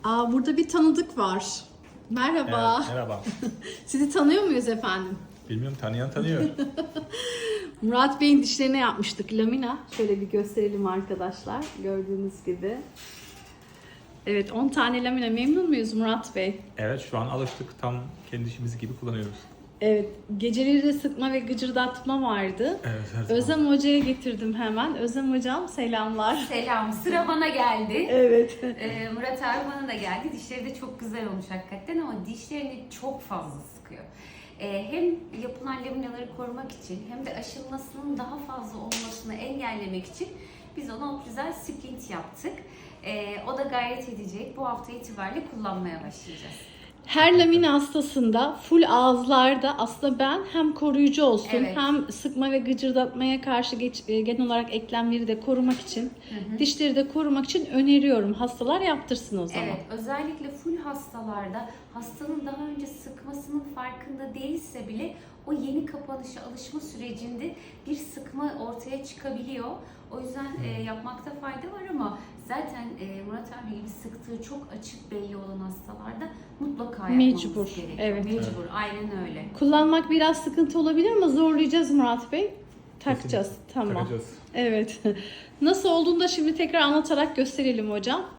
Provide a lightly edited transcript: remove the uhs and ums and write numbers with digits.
Burada bir tanıdık var. Merhaba. Evet, merhaba. Sizi tanıyor muyuz efendim? Bilmiyorum, tanıyan tanıyor. Murat Bey'in dişlerine yapmıştık lamina. Şöyle bir gösterelim arkadaşlar. Gördüğünüz gibi. Evet, 10 tane lamina. Memnun muyuz Murat Bey? Evet, şu an alıştık. Tam kendi işimiz gibi kullanıyoruz. Evet, geceleri de sıkma ve gıcırdatma vardı. Evet, her zaman. Özlem Hoca'ya getirdim hemen. Özlem Hocam selamlar. Selam. Sıra bana geldi. Evet. Murat abi bana da geldi. Dişleri de çok güzel olmuş hakikaten ama dişlerini çok fazla sıkıyor. Hem yapılan laminaları korumak için hem de aşılmasının daha fazla olmasını engellemek için biz ona Occlusal Splint yaptık. O da gayret edecek. Bu hafta itibariyle kullanmaya başlayacağız. Her lamina hastasında full ağızlarda aslında ben hem koruyucu olsun Evet. hem sıkma ve gıcırdatmaya karşı genel olarak eklemleri de korumak için, dişleri de korumak için öneriyorum. Hastalar yaptırsın o zaman. Evet, özellikle full hastalarda hastanın daha önce sıkmasının farkında değilse bile o yeni kapanışa alışma sürecinde bir sıkma ortaya çıkabiliyor. O yüzden yapmakta fayda var ama zaten Murat abi gibi sıktığı çok açık belli olan hastalarda mutlaka yapmamız Mecbur, gerekiyor. evet. Mecbur, aynen öyle. Kullanmak biraz sıkıntı olabilir ama zorlayacağız Murat Bey. Takacağız. Tamam. Takacağız. Evet. Nasıl olduğunu da şimdi tekrar anlatarak gösterelim hocam.